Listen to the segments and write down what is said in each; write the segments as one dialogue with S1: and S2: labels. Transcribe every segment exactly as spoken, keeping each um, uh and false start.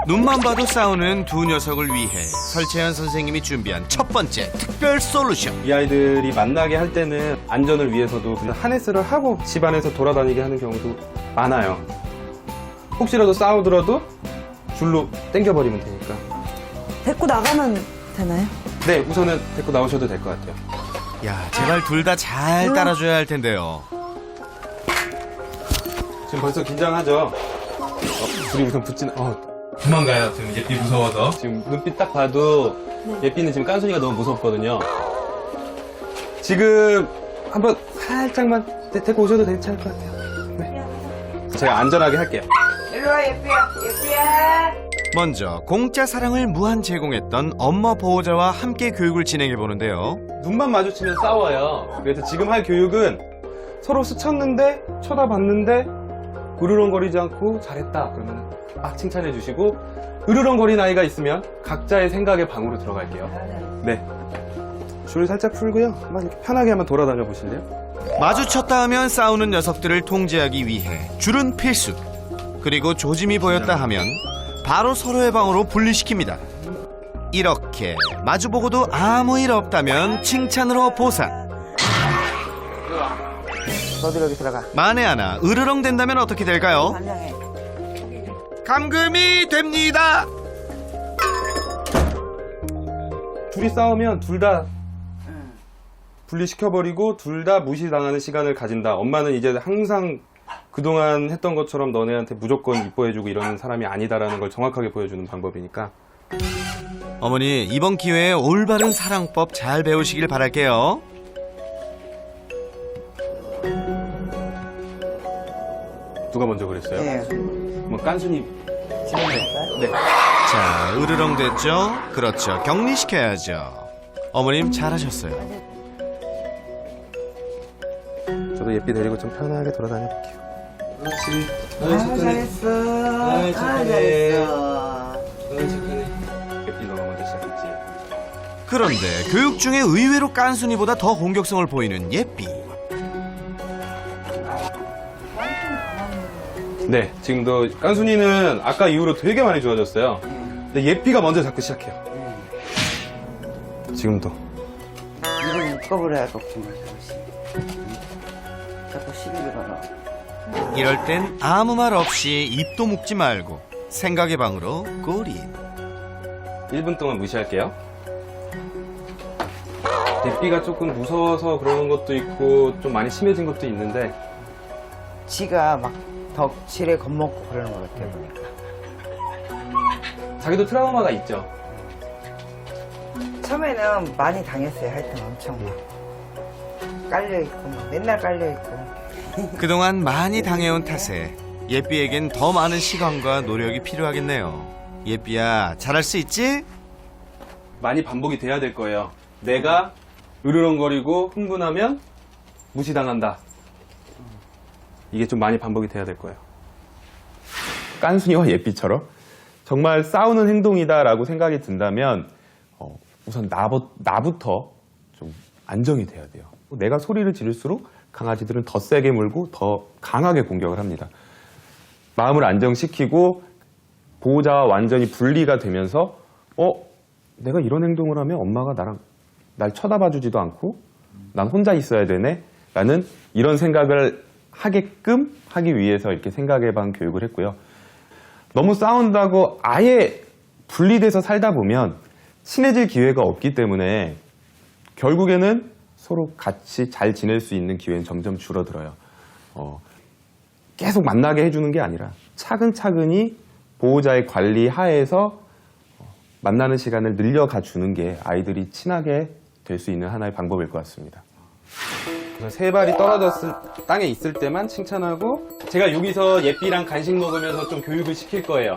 S1: 눈만 봐도 싸우는 두 녀석을 위해 설채연 선생님이 준비한 첫 번째 특별 솔루션.
S2: 이 아이들이 만나게 할 때는 안전을 위해서도 그냥 하네스를 하고 집안에서 돌아다니게 하는 경우도 많아요. 혹시라도 싸우더라도 줄로 당겨버리면 되니까.
S3: 데리고 나가면 되나요?
S2: 네, 우선은 데리고 나오셔도 될 것 같아요.
S1: 야, 제발 둘 다 잘 따라줘야 할 텐데요.
S2: 지금 벌써 긴장하죠? 어, 둘이 우선 붙진, 어, 도망가요. 지금 예삐 무서워서. 지금 눈빛 딱 봐도 예삐는 지금 깐순이가 너무 무섭거든요. 지금 한번 살짝만 데- 데리고 오셔도 괜찮을 것 같아요. 네. 제가 안전하게 할게요.
S4: 일로와 예삐야 예삐야.
S1: 먼저 공짜 사랑을 무한 제공했던 엄마 보호자와 함께 교육을 진행해 보는데요.
S2: 눈만 마주치면 싸워요. 그래서 지금 할 교육은 서로 스쳤는데 쳐다봤는데 으르렁거리지 않고 잘했다 그러면 막 칭찬해 주시고, 으르렁거린 아이가 있으면 각자의 생각의 방으로 들어갈게요. 네. 줄 살짝 풀고요. 한번 이렇게 편하게 한번 돌아다녀 보실래요?
S1: 마주쳤다 하면 싸우는 녀석들을 통제하기 위해 줄은 필수. 그리고 조짐이 보였다 하면 바로 서로의 방으로 분리시킵니다. 이렇게 마주보고도 아무 일 없다면 칭찬으로 보상.
S4: 너도 여기 들어가.
S1: 만에 하나 으르렁 된다면 어떻게 될까요?
S4: 반장해.
S1: 감금이 됩니다.
S2: 둘이 싸우면 둘 다 분리시켜버리고 둘 다 무시당하는 시간을 가진다. 엄마는 이제 항상 그동안 했던 것처럼 너네한테 무조건 이뻐해주고 이러는 사람이 아니다라는 걸 정확하게 보여주는 방법이니까.
S1: 어머니, 이번 기회에 올바른 사랑법 잘 배우시길 바랄게요.
S2: 누가 먼저 그랬어요?
S4: 예.
S2: 뭐 깐순이. 네.
S1: 자, 으르렁 됐죠? 그렇죠. 격리시켜야죠. 어머님 잘하셨어요.
S2: 저도 예삐 데리고 좀 편하게 돌아다녀 볼게요. 그렇지.
S4: 아 잘했어. 아 잘했어.
S2: 예삐 너가 먼저 시작했지.
S1: 그런데 교육 중에 의외로 깐순이보다 더 공격성을 보이는 예삐.
S2: 네, 지금도 깐순이는 아까 이후로 되게 많이 좋아졌어요. 근데 예삐가 먼저 자꾸 시작해요. 지금도.
S4: 이걸 묶어버려야 걱정을 자꾸 자꾸 시비를 걸어.
S1: 이럴 땐 아무 말 없이 입도 묶지 말고 생각의 방으로 꼬리.
S2: 일 분 동안 무시할게요. 예삐가 조금 무서워서 그러는 것도 있고 좀 많이 심해진 것도 있는데,
S4: 지가 막 덕질에 겁먹고 그러는 것 같아 보니까.
S2: 자기도 트라우마가 있죠.
S4: 처음에는 많이 당했어요. 하여튼 엄청 막 깔려있고 막 맨날 깔려있고.
S1: 그동안 많이 당해온 탓에 예삐에겐 더 많은 시간과 노력이 필요하겠네요. 예삐야, 잘할 수 있지?
S2: 많이 반복이 돼야 될 거예요. 내가 으르렁거리고 흥분하면 무시당한다. 이게 좀 많이 반복이 돼야 될 거예요. 깐순이와 예삐처럼 정말 싸우는 행동이다라고 생각이 든다면 어, 우선 나부, 나부터 좀 안정이 돼야 돼요. 내가 소리를 지를수록 강아지들은 더 세게 물고 더 강하게 공격을 합니다. 마음을 안정시키고 보호자와 완전히 분리가 되면서 어? 내가 이런 행동을 하면 엄마가 나랑 날 쳐다봐주지도 않고 난 혼자 있어야 되네? 라는 이런 생각을 하게끔 하기 위해서 이렇게 생각의 방 교육을 했고요. 너무 싸운다고 아예 분리돼서 살다 보면 친해질 기회가 없기 때문에 결국에는 서로 같이 잘 지낼 수 있는 기회는 점점 줄어들어요. 어, 계속 만나게 해주는 게 아니라 차근차근히 보호자의 관리 하에서 만나는 시간을 늘려가 주는 게 아이들이 친하게 될 수 있는 하나의 방법일 것 같습니다. 세 발이 떨어졌을 땅에 있을 때만 칭찬하고, 제가 여기서 예삐랑 간식 먹으면서 좀 교육을 시킬 거예요.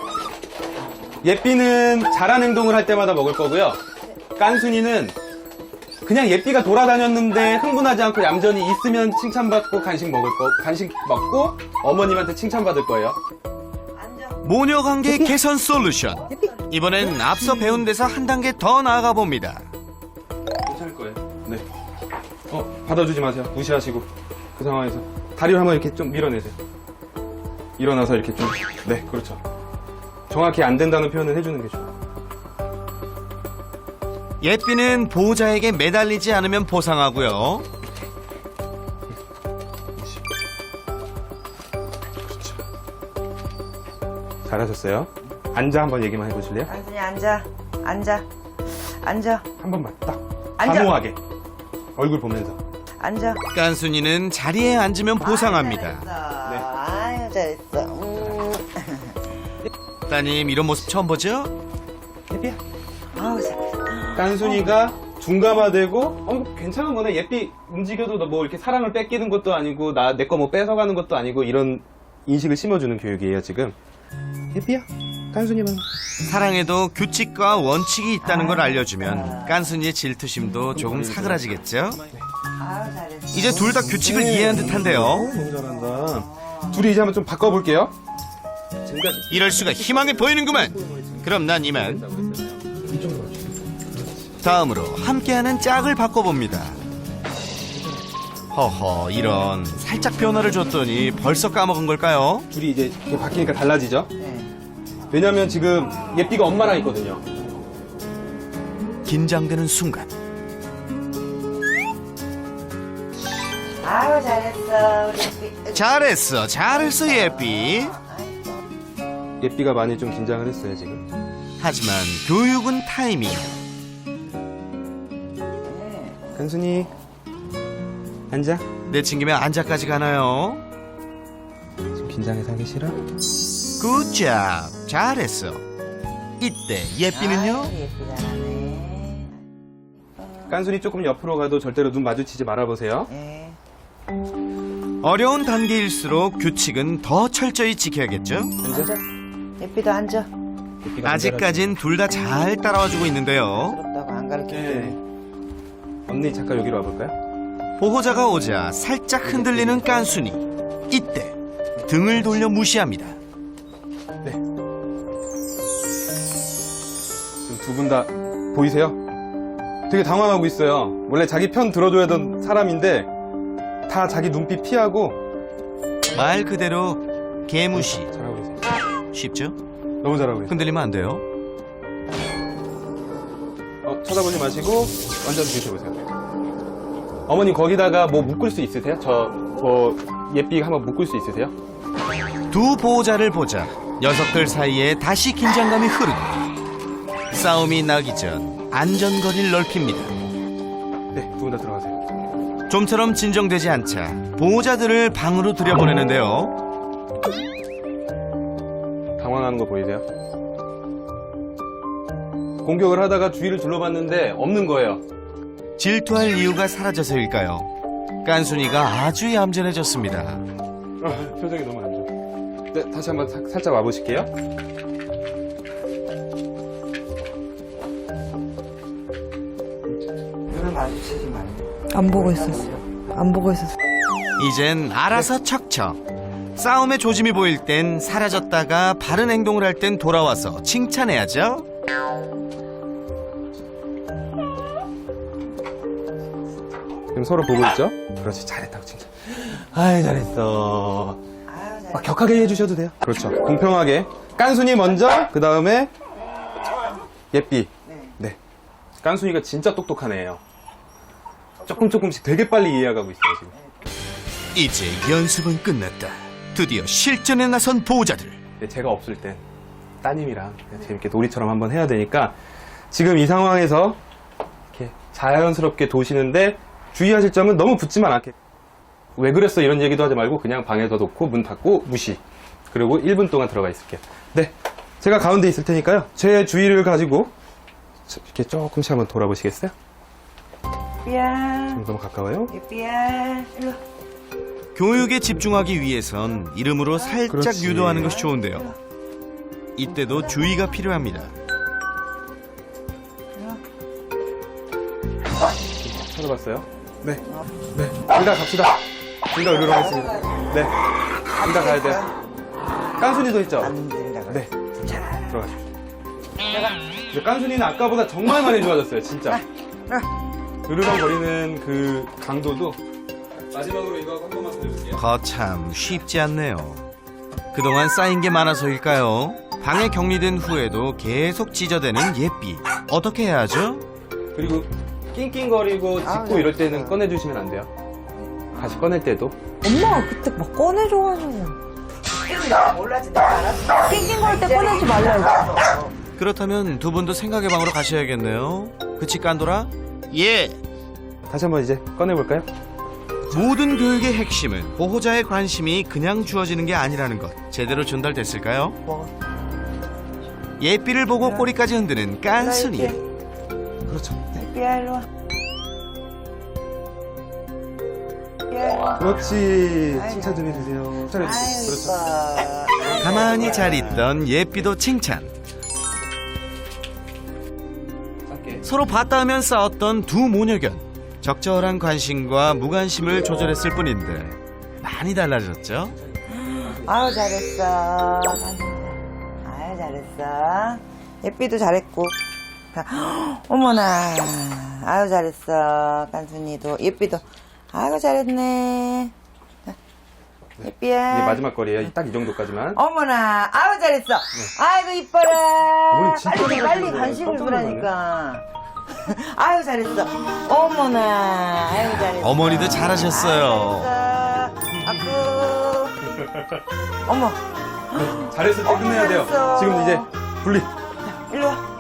S2: 예삐는 잘한 행동을 할 때마다 먹을 거고요. 깐순이는 그냥 예삐가 돌아다녔는데 흥분하지 않고 얌전히 있으면 칭찬받고 간식 먹을 거, 간식 먹고 어머님한테 칭찬받을 거예요.
S1: 모녀 관계 개선 솔루션. 이번엔 앞서 배운 데서 한 단계 더 나아가 봅니다.
S2: 괜찮을 거예요. 네. 어, 받아주지 마세요. 무시하시고. 그 상황에서 다리를 한번 이렇게 좀 밀어내세요. 일어나서 이렇게 좀, 네, 그렇죠. 정확히 안 된다는 표현을 해주는 게 좋아요.
S1: 예삐는 보호자에게 매달리지 않으면 보상하고요.
S2: 잘하셨어요. 앉아 한번 얘기만 해보실래요?
S4: 깐순이 앉아. 앉아. 앉아.
S2: 한 번만 딱
S4: 앉아.
S2: 단호하게 얼굴 보면서.
S4: 앉아.
S1: 깐순이는 자리에 앉으면 보상합니다.
S4: 아유, 잘했어. 아유, 잘했어. 음.
S1: 따님 이런 모습 처음 보죠?
S2: 예삐야.
S4: 아우, 잘했어.
S2: 깐순이가 둔감화되고 어 이거 괜찮은 거네. 예삐 움직여도 너 뭐 이렇게 사랑을 뺏기는 것도 아니고 나 내 거 뭐 뺏어가는 것도 아니고 이런 인식을 심어주는 교육이에요 지금. 예삐야. 깐순이만.
S1: 사랑에도 규칙과 원칙이 있다는 걸 알려주면 깐순이의 질투심도 조금 사그라지겠죠?
S4: 아유, 잘했어.
S1: 이제 둘 다 규칙을 이해한 듯한데요.
S2: 너무 잘한다. 둘이 이제 한번 좀 바꿔볼게요. 지금까지
S1: 이럴 수가 희망이 보이는구만. 그럼 난 이만. 다음으로 함께하는 짝을 바꿔봅니다. 허허, 이런 살짝 변화를 줬더니 벌써 까먹은 걸까요?
S2: 둘이 이제 이렇게 바뀌니까 달라지죠?
S4: 네.
S2: 왜냐면 지금 예삐가 엄마랑 있거든요.
S1: 긴장되는 순간
S4: 아유, 잘했어. 우리 예삐.
S1: 잘했어, 잘했어 예삐.
S2: 예삐가 많이 좀 긴장을 했어요 지금.
S1: 하지만 교육은 타이밍.
S2: 깐순이 앉아.
S1: 내친김에 앉아까지 가나요?
S2: 지금 긴장해서 하기 싫어?
S1: 굿잡, 잘했어. 이때 예삐는요?
S4: 아유, 예삐 잘하네.
S2: 깐순이 조금 옆으로 가도 절대로 눈 마주치지 말아보세요.
S4: 네.
S1: 어려운 단계일수록 규칙은 더 철저히 지켜야겠죠?
S4: 앉아. 예삐도 앉아.
S2: 예삐가
S1: 아직까진 둘 다 잘 따라와주고 있는데요.
S4: 부럽다고 안 가르쳐줘.
S2: 네. 언니 잠깐 여기로 와볼까요?
S1: 보호자가 오자 살짝 흔들리는 깐순이. 이때 등을 돌려 무시합니다.
S2: 네. 지금 두 분 다 보이세요? 되게 당황하고 있어요. 원래 자기 편 들어줘야 되던 사람인데 다 자기 눈빛 피하고.
S1: 말 그대로 개무시.
S2: 잘하고 계세요.
S1: 쉽죠?
S2: 너무 잘하고 계세요.
S1: 흔들리면 안 돼요.
S2: 어, 쳐다보지 마시고 완전 드셔보세요. 어머님 거기다가 뭐 묶을 수 있으세요? 저 뭐 예삐 한번 묶을 수 있으세요?
S1: 두 보호자를 보자 녀석들 사이에 다시 긴장감이 흐르고 싸움이 나기 전 안전거리를 넓힙니다.
S2: 네, 두 분 다 들어가세요.
S1: 좀처럼 진정되지 않자 보호자들을 방으로 들여보내는데요.
S2: 당황하는 거 보이세요? 공격을 하다가 주위를 둘러봤는데 없는 거예요.
S1: 질투할 이유가 사라져서일까요? 깐순이가 아주 얌전해졌습니다.
S2: 아, 표정이 너무 안 좋아. 네, 다시 한번 사- 살짝 와보실게요.
S4: 눈을 마주치지 말고.
S3: 안 보고 있었어. 안 보고 있었어.
S1: 이젠 알아서 척척. 싸움의 조짐이 보일 땐 사라졌다가 바른 행동을 할 땐 돌아와서 칭찬해야죠.
S2: 지금 서로 보고 있죠? 그렇지, 잘했다고 칭찬. 아이, 잘했어.
S4: 아유, 잘했어.
S2: 막 격하게 해주셔도 돼요. 그렇죠. 공평하게. 깐순이 먼저, 그 다음에 예삐.
S4: 네.
S2: 네. 깐순이가 진짜 똑똑한 애예요. 조금 조금씩 되게 빨리 이해해가고 있어요, 지금.
S1: 이제 연습은 끝났다. 드디어 실전에 나선 보호자들.
S2: 근데 제가 없을 땐 따님이랑 그냥 재밌게 놀이처럼 한번 해야 되니까 지금 이 상황에서 이렇게 자연스럽게 도시는데 주의하실 점은 너무 붙지만 않게. 왜 그랬어 이런 얘기도 하지 말고 그냥 방에다 놓고 문 닫고 무시. 그리고 일 분 동안 들어가 있을게요. 네, 제가 가운데 있을 테니까요. 제 주의를 가지고 이렇게 조금씩 한번 돌아보시겠어요?
S4: 예삐야.
S2: 너무 가까워요?
S4: 예삐야. 일로.
S1: 교육에 집중하기 위해선 이름으로 살짝
S2: 그렇지.
S1: 유도하는 것이 좋은데요. 이때도 주의가 필요합니다.
S2: 찾아봤어요? 네. 네. 둘 다 갑시다. 둘 다 의료로 하겠습니다. 네. 둘 다 가야 돼요. 깐순이도 있죠?
S4: 안 된다고.
S2: 네. 들어가십시오. 근데 깐순이는 아까보다 정말 많이 좋아졌어요, 진짜. 으르렁거리는 그 강도도. 마지막으로 이거 한 번만 더 해줄게요.
S1: 거참 쉽지 않네요. 그동안 쌓인 게 많아서일까요? 방에 격리된 후에도 계속 찢어대는 예삐. 어떻게 해야 하죠?
S2: 그리고 낑낑거리고
S4: 아우,
S2: 짖고 이럴 때는
S4: 잘했어.
S2: 꺼내주시면 안 돼요. 다시 꺼낼 때도.
S3: 엄마가 그때 막 꺼내줘가지고.
S4: 내가 몰라지 내가 알았어.
S3: 낑낑거릴 때 꺼내지 말라고.
S1: 그렇다면 두 분도 생각의 방으로 가셔야겠네요. 그치 깐돌아? 예.
S2: 다시 한번 이제 꺼내볼까요?
S1: 모든 교육의 핵심은 보호자의 관심이 그냥 주어지는 게 아니라는 것. 제대로 전달됐을까요?
S3: 먹어.
S1: 예삐를 보고 꼬리까지 흔드는 깐순이.
S2: 그렇죠.
S4: 예삐야 일로 와. 예삐야 일로 와.
S2: 그렇지.
S4: 아이고.
S2: 칭찬 좀 해주세요. 잘해주세요. 그렇죠.
S4: 아이고.
S1: 가만히 잘 있던 예삐도 칭찬.
S2: 짧게.
S1: 서로 봤다 하면 싸웠던 두 모녀견. 적절한 관심과 무관심을 조절했을 뿐인데 많이 달라졌죠?
S4: 아유 잘했어. 아유 잘했어. 예삐도 잘했고. 다- 어머나. 아유 잘했어. 깐순이도 예삐도. 아이고 잘했네. 예삐야.
S2: 이게 마지막 거리예요. 딱 이 정도까지만.
S4: 어머나. 아유 잘했어. 아이고 이뻐라.
S2: 어머니 진짜
S4: 빨리 빨리
S2: 잘하시는
S4: 관심을
S2: 거예요. 깜짝
S4: 주라니까. 아유 잘했어. 어머나. 아유 잘했어.
S1: 어머니도 잘하셨어요.
S4: 아유, 잘했어. 아구. 어머.
S2: 잘했을 때 끝내야 돼요.
S4: 잘했어.
S2: 지금 이제 분리.
S4: 일로 와.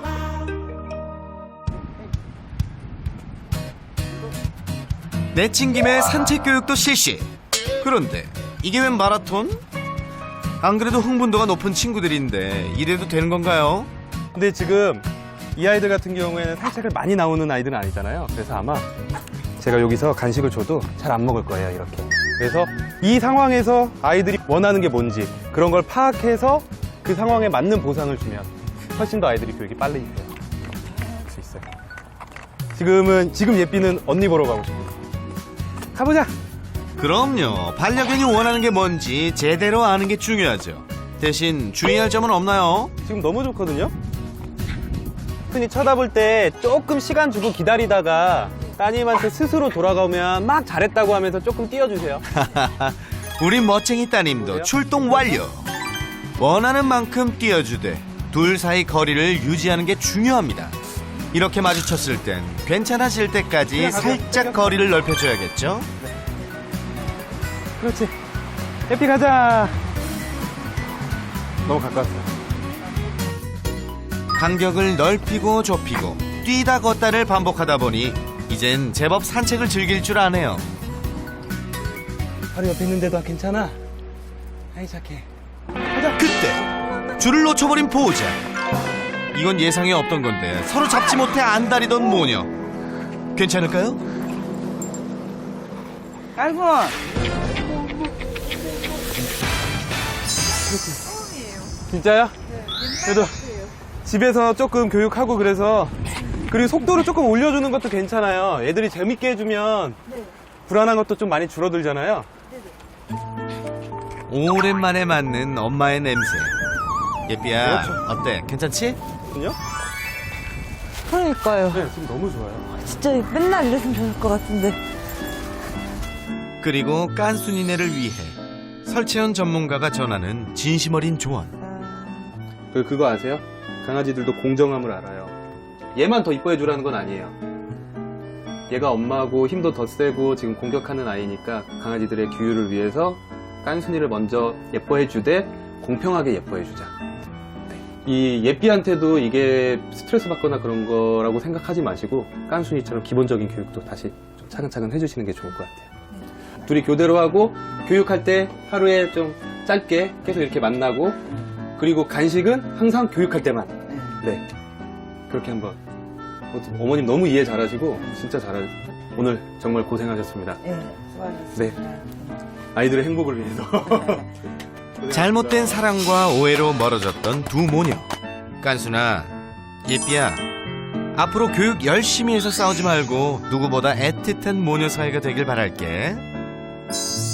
S1: 내친 김에 산책 교육도 실시. 그런데 이게 웬 마라톤? 안 그래도 흥분도가 높은 친구들인데 이래도 되는 건가요?
S2: 근데 지금 이 아이들 같은 경우에는 산책을 많이 나오는 아이들은 아니잖아요. 그래서 아마 제가 여기서 간식을 줘도 잘 안 먹을 거예요, 이렇게. 그래서 이 상황에서 아이들이 원하는 게 뭔지 그런 걸 파악해서 그 상황에 맞는 보상을 주면 훨씬 더 아이들이 교육이 빨리 돼요. 할 수 있어요. 지금은, 지금 예삐는 언니 보러 가고 싶어요. 가보자!
S1: 그럼요. 반려견이 원하는 게 뭔지 제대로 아는 게 중요하죠. 대신 주의할 점은 없나요?
S2: 지금 너무 좋거든요? 흔히 쳐다볼 때 조금 시간 주고 기다리다가 따님한테 스스로 돌아가면 막 잘했다고 하면서 조금 띄워주세요.
S1: 우리 멋쟁이 따님도 출동 완료. 원하는 만큼 뛰어주되 둘 사이 거리를 유지하는 게 중요합니다. 이렇게 마주쳤을 땐 괜찮아질 때까지 살짝 거리를 넓혀줘야겠죠?
S2: 그렇지. 해피 가자. 너무 가까웠어요.
S1: 간격을 넓히고 좁히고 뛰다 걷다를 반복하다 보니 이젠 제법 산책을 즐길 줄 아네요.
S2: 바로 옆에 있는데도 괜찮아. 아이 착해.
S1: 그때 줄을 놓쳐버린 보호자. 이건 예상에 없던 건데 서로 잡지 못해 안달이던 모녀. 괜찮을까요?
S4: 아이고.
S2: 진짜요? 그래도 집에서 조금 교육하고 그래서 그리고 속도를 조금 올려주는 것도 괜찮아요. 애들이 재밌게 해주면 불안한 것도 좀 많이 줄어들잖아요.
S1: 오랜만에 맡는 엄마의 냄새. 예삐야,
S2: 그렇죠.
S1: 어때? 괜찮지?
S2: 그요?
S3: 그러니까요.
S2: 네, 지금 너무 좋아요.
S3: 진짜 맨날 이랬으면 좋을 것 같은데.
S1: 그리고 깐순이네를 위해 설채연 전문가가 전하는 진심 어린 조언.
S2: 그, 그거 아세요? 강아지들도 공정함을 알아요. 얘만 더 이뻐해 주라는 건 아니에요. 얘가 엄마하고 힘도 더 세고 지금 공격하는 아이니까 강아지들의 규율을 위해서 깐순이를 먼저 예뻐해 주되 공평하게 예뻐해 주자. 이 예삐한테도 이게 스트레스 받거나 그런 거라고 생각하지 마시고 깐순이처럼 기본적인 교육도 다시 좀 차근차근 해주시는 게 좋을 것 같아요. 둘이 교대로 하고 교육할 때 하루에 좀 짧게 계속 이렇게 만나고 그리고 간식은 항상 교육할 때만. 네. 그렇게 한번. 어머님 너무 이해 잘하시고 진짜 잘하. 오늘 정말 고생하셨습니다.
S4: 예, 수고하셨습니다.
S2: 네. 아이들의 행복을 위해서.
S1: 잘못된 사랑과 오해로 멀어졌던 두 모녀. 깐순아, 예삐야, 앞으로 교육 열심히 해서 싸우지 말고 누구보다 애틋한 모녀 사이가 되길 바랄게.